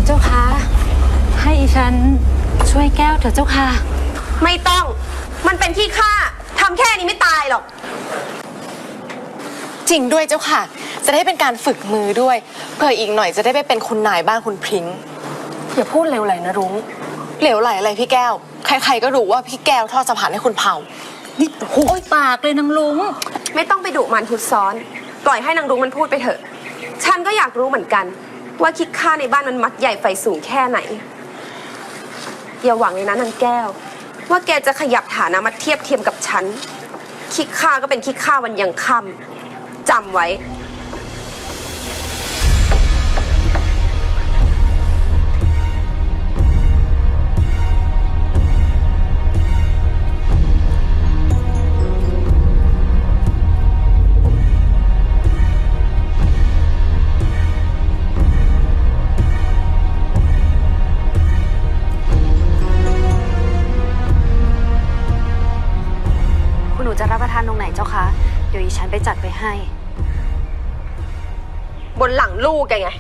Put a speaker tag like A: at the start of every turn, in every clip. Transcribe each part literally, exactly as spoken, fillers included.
A: เจ้าคะให้อีฉันช่วยแก้วเถอะเจ้าค่ะ
B: ไม่ต้องมันเป็นที่ข้าทำแค่นี้ไม่ตายหรอก
C: จริงด้วยเจ้าค่ะจะได้เป็นการฝึกมือด้วยเผื่ออีกหน่อยจะได้ไปเป็นคุณนายบ้านคุณพริ้งอย่าพูดเหลวไหลนะรุ้งเหลวไหลอะไรพี่แก้วใครๆก็รู้ว่าพี่แก้วทอดสะพานให้คุณเผา
A: นี่โอ้ยปากเลยนางลุง
B: ไม่ต้องไปดุมันพุดซ้อนปล่อยให้นางรุ้งมันพูดไปเถอะฉันก็อยากรู้เหมือนกันว่าคิดค่าในบ้านมันมักใหญ่ไฟสูงแค่ไหนอย่าหวังเลยนะนางแก้วว่าแกจะขยับฐานะมาเทียบเทียมกับฉันคิดค่าก็เป็นคิดค่าวันยังค่ำจำไว้
D: หนูจะรับประทานตรงไหนเจ้าคะเดี๋ยวอีฉันไปจัดไปให้
B: บนหลังลูกแกไง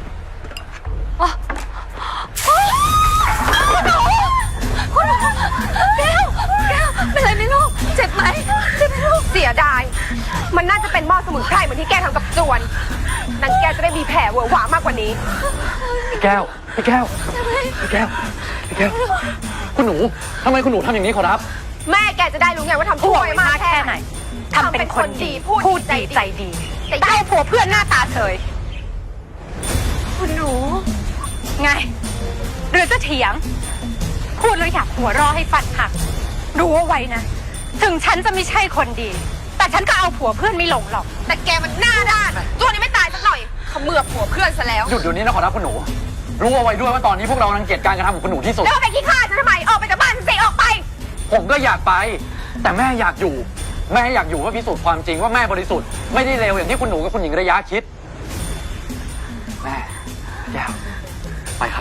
D: คุณหนูคุณหนูแก้วแก้วเป็นไรไหมลูกเจ็บไหมเจ็บไหมลูก
B: เสียดายมันน่าจะเป็นหม้อสมุนไพรเหมือนที่แกทำกับจวนนางแก้วจะได้มีแผลเวอะหวามากกว่านี้
E: พี่แก้วพี่แก้วพี่แก้วพี่แก้วคุณหนูทำไมคุณหนูทำอย่างนี้ขอรับ
B: แม่แกจะได้รู้ไงว่าทำชั่วมากแค่ไหน
D: ทำเป็นคนดีพูดดีใจดี
B: แต่ได้ผัวเพื่อนหน้าตาเฉย
D: คุณหนูไงหรือจะเถียงพูดแล้วอยากหัวเราะให้ฟันหักรู้ว่าไว้นะถึงฉันจะไม่ใช่คนดีแต่ฉันก็เอาผัวเพื่อนไม่ลงหรอก
B: แต่แกมันหน้าด้านตัวนี้ไม่ตายสักหน่อยเขมือบผัวเพื่อนซะแล้ว
E: หยุดเดี๋ยวนี้นะขอรับคุณหนูรู้เอาไว้ด้วยว่าตอนนี้พวกเรารังเกียจการกระทำของคุณหนูที่สุด
B: แล้วไปขี้ข้าจะทำไมออกไปจากบ้านฉันสิออกไป
E: ผมก็อยากไปแต่แม่อยากอยู่แม่อยากอยู่ว่าพิสูจน์ความจริงว่าแม่บริสุทธิ์ไม่ได้เลวอย่างที่คุณหนูกับคุณหญิงระยะคิดแม่แก้วไปครับ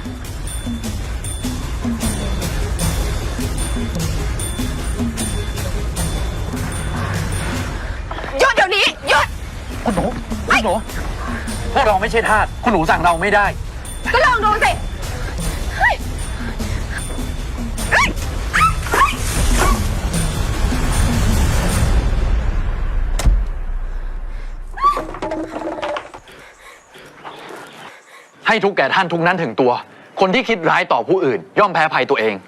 B: หยุดเดี๋ยวนี้หยุด
E: คุณหนูคุณหนูพวกเราไม่ใช่ทาสคุณหนูสั่งเราไม่ได้
B: ก็ลองดูสิ
E: ให้ทุกแก่ท่านทุกนั้นถึงตัวคนที่คิดร้ายต่อผู้อื่นย่อมแพ้ภัยตัวเอง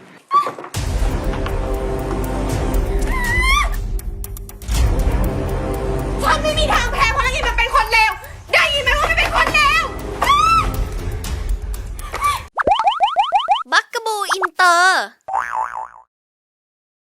B: ฉันไม่มีทางแพ้เพราะนางอินมันเป็นคนเลวได้ยินไหมว่ามันเป็นคนเลว
F: บักกะบูอินเตอร์